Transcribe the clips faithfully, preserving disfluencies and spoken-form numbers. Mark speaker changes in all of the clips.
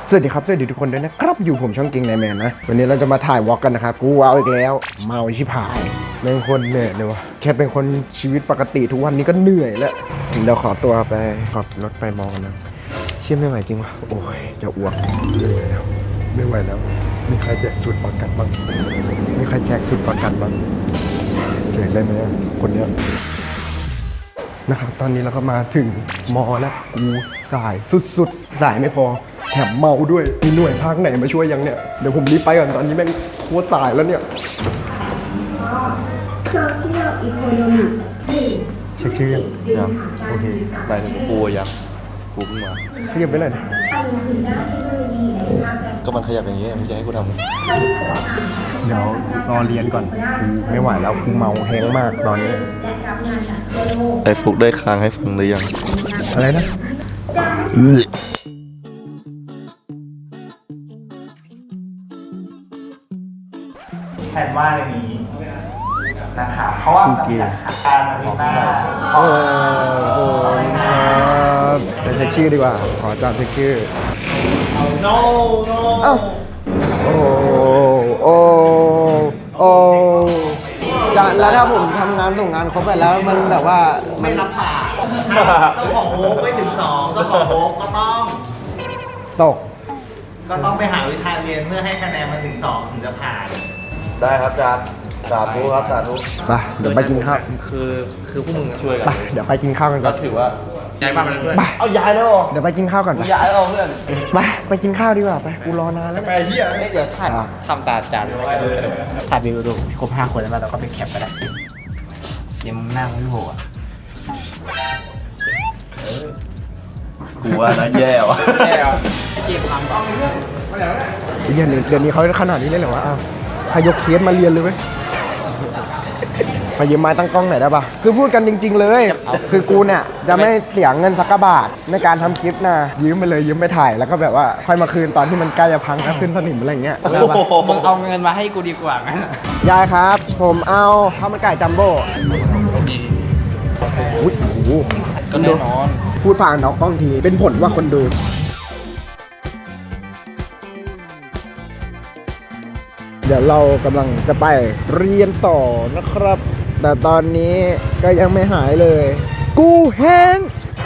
Speaker 1: สวัสดีครับสวัสดีทุกคนด้วยนะครับอยู่ผมช่องเก่งไนแมนนะวันนี้เราจะมาถ่ายวอล์กกันนะครับกูเอาอีกแล้วเมาชิบหายเป็นคนเหนื่อยเลยวะแค่เป็นคนชีวิตปกติทุกวันนี้ก็เหนื่อยแล้วเดี๋ยวขอตัวไปขับรถไปมองกันนะเชื่อไม่ไหวจริงวะโอ้ยจะอ้วกไม่ไหวแล้วไม่ไหวแล้วมีใครแจกสูตรประกันบ้างมีใครแจกสูตรประกันบ้างแจกได้ไหมคนเนี้ยนะครับตอนนี้เราก็มาถึงมอแล้วกูสายสุดๆสายไม่พอแถมเมาด้วยมีหน่วยภาคไหนมาช่วยยังเนี่ยเดี๋ยวผมรีบไปก่อนตอนนี้แม่งโคตรสายแล้วเนี่ยเช็คชื่อยังยังโอเคไปถึงกูยังกูเพิ่งมาขยับไปหน่อยดิก็มันขยับอย่างเงี้ยมึงจะให้กูทำเดี๋ยวรอเรียนก่อนกูไม่ไหวแล้วกูเมาแห้งมากตอนนี้
Speaker 2: ไอ้ฟุกได้ค้างให้ฟังหรือยัง
Speaker 1: อะไรนะ
Speaker 3: แทนว่าอย่างนี้นะครับเพราะว่ามันมีหลักฐานมาที่หน้า
Speaker 1: โอ้โหครับไปเช็คชื่อดีกว่าขอจอดเช็คชื่อ
Speaker 3: no no
Speaker 1: เอ้าโอ้โอ้โอ้จะแล้วถ้าผมทำงานส่งงานครบไปแล้วมันแบบว่า
Speaker 3: ไม่รับปากถ้าเจ้าของโอ๊กไม่ถึงสองเจ้าของโอ๊กก็ต้อง
Speaker 1: ตก
Speaker 3: ก็ต้องไปหาวิชาเรียนเพื่อให้คะแนนมันถึงสองถึงจะผ่าน
Speaker 2: ได้ครับอาจารย์สาธุครับสาธุ
Speaker 1: ไปเดี๋ยวไปกินข้าว
Speaker 2: คือคือพวกมึงช่วยกัน
Speaker 1: ไปเดี๋ยวไปกินข้าวกันก่อน
Speaker 2: ถือว่าย้ายบ้านมาเพื่อน
Speaker 3: เอาย้ายแล้ว
Speaker 1: เดี๋ยวไปกินข้าวก่อน
Speaker 3: ย้ายเอาเพื่อน
Speaker 1: ไปไปกินข้าวดีกว่าไปกูรอนานแล้ว
Speaker 3: ไปเฮีย
Speaker 2: เดี๋ยวถ่ายทำตาจาน
Speaker 3: ถ่ายวิวดูครบห้าคนแล้วเราก็ไปแคปกันได้ยังนั่งไม่โหอ่ะ
Speaker 2: กูว่านะแย่ว่ะ
Speaker 3: แย่เก็บความก่อน
Speaker 1: เดี๋ยวเดี๋ยวนี้เขาขนาดนี้เลยเหรอวะอ้าวใครยกเคสมาเรียนเลยเว้ยมายืมไม้ตั้งกล้องหน่อยได้ปะคือพูดกันจริงๆเลยคือกูเนี่ยจะไม่เสียเงินสักกะบาทในการทำคลิปนะยืมไปเลยยืมไปถ่ายแล้วก็แบบว่าค่อยมาคืนตอนที่มันใกล้จะพังแล้วขึ้นสนิมอะไรอย่างเงี้ย
Speaker 3: มึงเอาเงินมาให้กูดีกว่าไหม
Speaker 1: ยายครับผมเอาข้าวมันไก่จัมโบ้อุ้ยโอ้โห
Speaker 3: ก็แน่นอน
Speaker 1: พูดผ่านออกกล้องทีเป็นผลว่าคนดูเดี๋ยวเรากำลังจะไปเรียนต่อนะครับแต่ตอนนี้ก็ยังไม่หายเลยกูแห้ง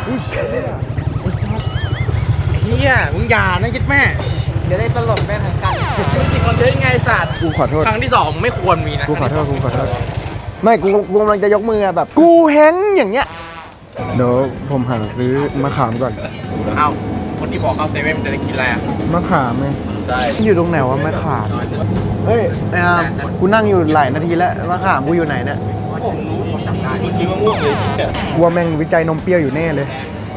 Speaker 3: เฮียมึงอย่านะคิดแม่เดี๋ยวได้ตลกแม่ทางกันจริงคนเทสไงสัตว์
Speaker 1: กูขอโทษ
Speaker 3: ครั้งที่สองไม่ควรมีนะ
Speaker 1: กูขอโทษกูขอโทษไม่กูกูกำลังจะยกมือแบบกูแห้งอย่างเงี้ยเดี๋ยวผมหาซื้อมะขามก่อน
Speaker 3: เอ้าคนที่บอกเขาเซเว่นจะได้กินอะไรอ่ะ
Speaker 1: มะขามไง
Speaker 3: ใช่
Speaker 1: อยู่ตรงไหนวะมะขามเฮ้ยไอ้อามกูนั่งอยู่หลายนาทีแล้วมะขามกูอยู่ไหนเนี่ย
Speaker 3: ผมรู้ผมจำได้คุณคิดว่าง่วงเลย
Speaker 1: กลัวแม่งวิจัยนมเปรี้ยวอยู่แน่เลย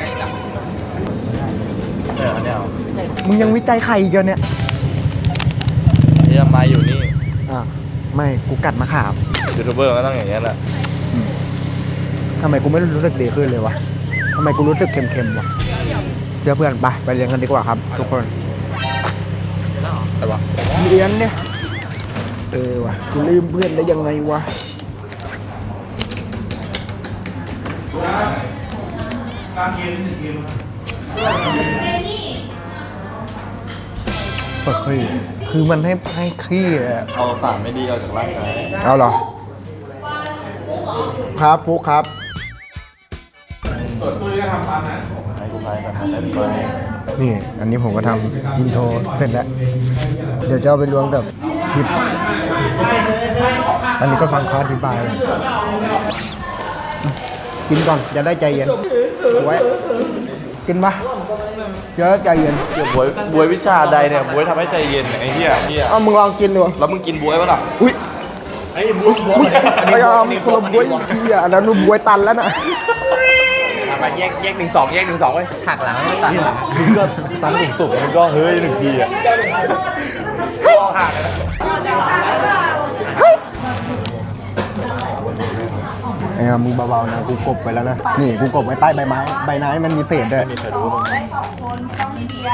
Speaker 2: เออเนี่ย
Speaker 1: มึงยังวิจัยไข่อีกเนี่ย
Speaker 2: ที่ทำไมอยู่นี่
Speaker 1: อ่ะไม่กูกัดมะขาม
Speaker 2: ยูทูบเบอร์ก็ต้องอย่างนี้แหละ
Speaker 1: ทำไมกูไม่รู้สึกดีขึ้นเลยวะทำไมกูรู้สึกเค็มๆวะเชื่อเพื่อนไปไปเรียนกันดีกว่าครับทุกคน
Speaker 2: แต่ว่า
Speaker 1: เรียนเนี่ยเออวะกูลืมเพื่อนได้ยังไงวะเฮ้ยคือมันให้ให้ขี้อะ
Speaker 2: เอาสารไม่ดีเอาจากร่างกาย
Speaker 1: เอาเหรอครับฟุกครับ
Speaker 2: ส่วนตุ้ยก็ทำบ้านนะให้กูพายกันทำได้ไหม
Speaker 1: นี่อันนี้ผมก็ทำอินโทรเสร็จแล้วเดี๋ยวจะเอาไปรวมกับคลิปอันนี้ก็ฟังเขาอธิบายกินก่อนจะได้ใจเย็นไว้กินปะจะได้ใจเย็น
Speaker 2: เดี๋ยวบวยบวยวิชาใดเนี่ยบวยทำให้ใจเย็นไอ้เหี้ยเหี้ย
Speaker 1: เอามึงลองกินดู
Speaker 2: แล้วมึงกินบวยปะล่ะ
Speaker 1: อุ้ย
Speaker 3: ไอ้บวยบวย
Speaker 1: อันนี้มีคนละบวยเหี้ยอันนั้นบวยตันแล้วนะ
Speaker 3: มาแยกแยกหนึ่งสองแยกหนึ่งสองไว้ฉากหลังไม่ตัด
Speaker 2: มึงก็ตันหนึ่งตุกมันก็เฮ้ยหนึ่งทีอ่ะลองห่างเลย
Speaker 1: ไอ้มึงเบาๆนะกูกบไปแล้วนะนี่กูกบไว้ใต้ใบไม้ใบไม้มันมีเศษด้วย
Speaker 3: ได้ขอบคุณต้องมีเดีย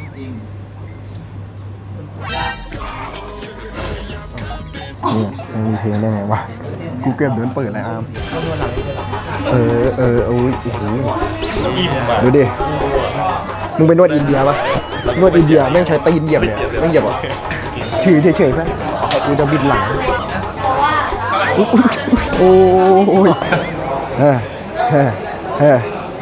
Speaker 1: นี่มันมีเพลงได้ไงวะกูเก็บเดินเปิดอะไรอามเออเออโอ้ยโอ้โหดูดิมึงเป็นนวดอินเดียปะนวดอินเดียแม่งใช้ตีนเหยียบเนี่ยแม่งเหยียบอ่ะถือเฉยๆเพื่อนกูจะบิดหลังอุ๊ยโอ้ยเฮ้ยเฮ้ยเฮ้ย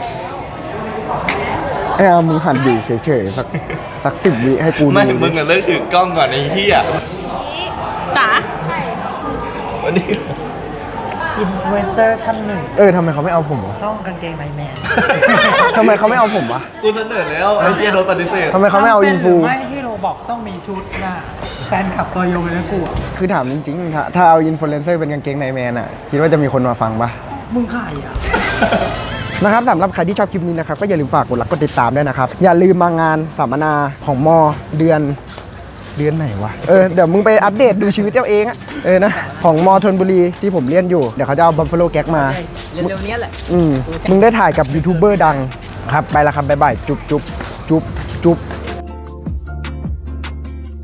Speaker 1: ไอ้อามึงหันอยู่เฉยๆสักสักสิบวิให้กูดู
Speaker 2: ไม่มึงอะเลิกถือกล้องก่อนไอ้เหี้ย
Speaker 4: จ๋า
Speaker 2: วันนี้
Speaker 3: อินฟลูเอนเซอร์ท่านหนึ่ง
Speaker 1: เออทำไมเขาไม่เอาผมวะ
Speaker 3: ช่องกางเกงในแมน
Speaker 1: ทำไมเขาไม่เอาผมวะ
Speaker 2: กูเสนอแล้วไอ้เหี้ยโดนปฏิเสธ
Speaker 1: ทำไมเขาไม่เอาอินฟู
Speaker 3: ไม่ที่โรบอกต้องมีชุดน่ะแฟนขับตัวยงเลยนะกูอะ
Speaker 1: คือถามจริงๆถ้าถ้าเอาอินฟลูเอนเซอร์เป็นกางเกงในแมนอ่ะคิดว่าจะมีคนมาฟังปะ
Speaker 3: มึงขายอ่ะ
Speaker 1: นะครับสำหรับใครที่ชอบคลิปนี้นะครับก็อย่าลืมฝากกดไลค์กดติดตามด้วยนะครับอย่าลืมมางานสัมมนาของมอเดือนเดือนไหนวะเออเดี๋ยวมึงไปอัปเดตดูชีวิตเอาเองอะเออนะของมอธนบุรีที่ผมเรียนอยู่เดี๋ยวเขาจะเอาบัฟฟาโลแก๊กมา
Speaker 4: เร็วๆนี้แหละ
Speaker 1: อืมมึงได้ถ่ายกับยูทูบเบอร์ดังครับไปแล้วครับบ๊ายบายจุ๊บจุ๊บจุ๊บจุ๊บ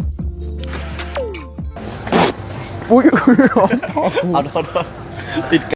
Speaker 1: อุ้ย
Speaker 2: เอาโทษติด